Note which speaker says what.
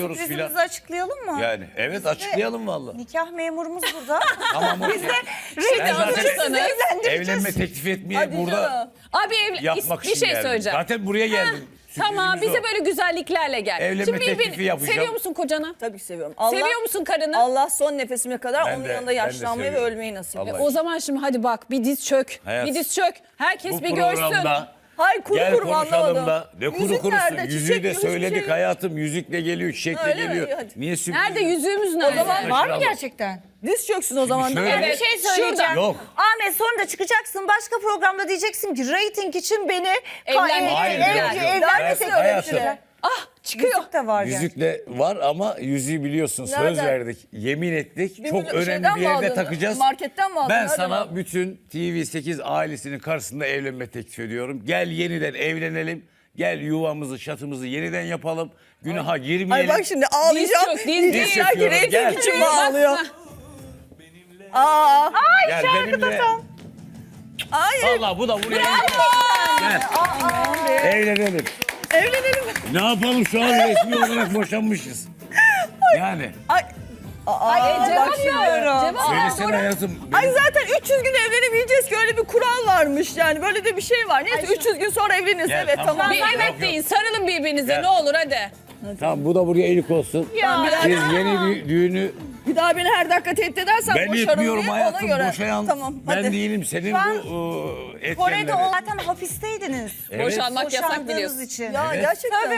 Speaker 1: gidiyoruz filan.
Speaker 2: Sürprizimizi açıklayalım mı?
Speaker 1: Yani evet açıklayalım vallahi.
Speaker 2: Nikah memurumuz burada.
Speaker 1: Tamam okey. Ben zaten evlenme teklif etmeye burada
Speaker 3: Abi
Speaker 1: yapmak
Speaker 3: bir
Speaker 1: için
Speaker 3: şey
Speaker 1: geldim.
Speaker 3: söyleyeceğim.
Speaker 1: Zaten buraya geldim.
Speaker 3: Tamam
Speaker 1: Sürprizimiz
Speaker 3: bize
Speaker 1: o.
Speaker 3: böyle güzelliklerle gel.
Speaker 1: Evlenme teklifi yapacağım.
Speaker 3: Seviyor musun kocanı?
Speaker 4: Tabii ki seviyorum.
Speaker 3: Seviyor musun karını?
Speaker 4: Allah son nefesime kadar
Speaker 1: Ben
Speaker 4: onun
Speaker 1: de-
Speaker 4: yanında
Speaker 1: ben de
Speaker 4: yaşlanmayı ve
Speaker 1: seviyorum.
Speaker 4: ölmeyi nasip
Speaker 1: Allah
Speaker 4: et.
Speaker 3: O zaman şimdi hadi bak bir diz çök.
Speaker 1: Hayat,
Speaker 3: Bir diz çök. Herkes
Speaker 1: Bu
Speaker 3: bir görsün.
Speaker 1: programda
Speaker 4: Hayır kuru
Speaker 1: gel
Speaker 4: kuru
Speaker 1: konuşalım
Speaker 4: anlamadım.
Speaker 1: da. Ne kuru
Speaker 4: Yüzük
Speaker 1: kurusu.
Speaker 4: nerede?
Speaker 1: Yüzüğü
Speaker 4: Çiçek
Speaker 1: de
Speaker 4: yok, hiçbir
Speaker 1: söyledik
Speaker 4: şey yok.
Speaker 1: hayatım. Yüzükle geliyor, çiçekle
Speaker 4: Öyle mi?
Speaker 1: geliyor.
Speaker 4: Hadi.
Speaker 1: Niye sürpriz?
Speaker 3: Nerede yüzüğümüz nerede?
Speaker 4: zaman
Speaker 2: Var mı gerçekten?
Speaker 4: Diz çöksün o zaman.
Speaker 1: şöyle-
Speaker 4: değil mi?
Speaker 2: Bir şey söyleyeceğim.
Speaker 1: Yok.
Speaker 2: Ahmet sonra da çıkacaksın başka programda diyeceksin ki reyting için beni
Speaker 3: Evlenmek
Speaker 1: Hayır,
Speaker 3: için.
Speaker 1: yok, yok.
Speaker 2: evlenmesin
Speaker 1: Ben- hayatım.
Speaker 2: öğrettiler.
Speaker 3: Ah çıkıyor.
Speaker 2: Yüzük de var yani.
Speaker 1: Yüzükle var ama yüzüğü biliyorsun söz
Speaker 4: Nereden?
Speaker 1: verdik. Yemin ettik.
Speaker 4: Bir
Speaker 1: Çok
Speaker 4: milyon
Speaker 1: önemli
Speaker 4: şeyden
Speaker 1: bir
Speaker 4: mi
Speaker 1: yerde
Speaker 4: aldın?
Speaker 1: takacağız.
Speaker 4: Marketten mi aldın?
Speaker 1: Ben
Speaker 4: Nereden
Speaker 1: sana
Speaker 4: aldın?
Speaker 1: bütün TV8 ailesinin karşısında evlenme teklif ediyorum. Gel yeniden evlenelim. Gel yuvamızı, şatımızı yeniden yapalım. Günaha girmeyelim.
Speaker 4: Ay bak şimdi ağlayacağım.
Speaker 3: Diz çök, diz
Speaker 4: Diyecekler ki
Speaker 1: çöküyoruz,
Speaker 4: reyting
Speaker 1: gel.
Speaker 4: için mi
Speaker 3: Bak,
Speaker 4: ağlıyor?
Speaker 3: bak.
Speaker 4: Aa.
Speaker 1: Gel benimle.
Speaker 4: Hayır.
Speaker 1: Vallahi bu da buraya. Gel. Evlenelim.
Speaker 4: Evlenelim.
Speaker 1: Ne yapalım şu an resmi olarak boşanmışız. Yani.
Speaker 4: Ay. Aa,
Speaker 3: Cevap
Speaker 4: bak şimdi.
Speaker 3: ver. Cevap ver.
Speaker 1: Söylesene hayatım.
Speaker 4: Ay zaten 300 gün evlenemeyeceğiz ki öyle bir kural varmış yani böyle de bir şey var. Neyse 300 gün sonra evleniriz
Speaker 1: Gel,
Speaker 4: evet
Speaker 1: tamam.
Speaker 4: tamam.
Speaker 3: Bir
Speaker 1: Yok,
Speaker 3: evet
Speaker 1: yok.
Speaker 3: deyin. Sarılın birbirinize
Speaker 1: Gel.
Speaker 3: ne olur hadi.
Speaker 1: Tamam bu da buraya iyilik olsun.
Speaker 3: Ya.
Speaker 1: Siz yeni bir düğünü
Speaker 4: Bir daha beni her dakika tehdit edersen
Speaker 1: ben
Speaker 4: boşarım
Speaker 1: etmiyorum
Speaker 4: diye
Speaker 1: hayatım.
Speaker 4: ona göre.
Speaker 1: Boşayan
Speaker 4: Tamam
Speaker 1: ben
Speaker 4: hadi.
Speaker 1: değilim. Senin
Speaker 2: Şu an
Speaker 1: bu etkenleri.
Speaker 2: Kore'de zaten hapisteydiniz.
Speaker 1: Evet.
Speaker 3: Boşanmak yasak
Speaker 2: Boşandığınız
Speaker 3: biliyorsun.
Speaker 2: için.
Speaker 4: Ya
Speaker 1: Evet.
Speaker 4: gerçekten.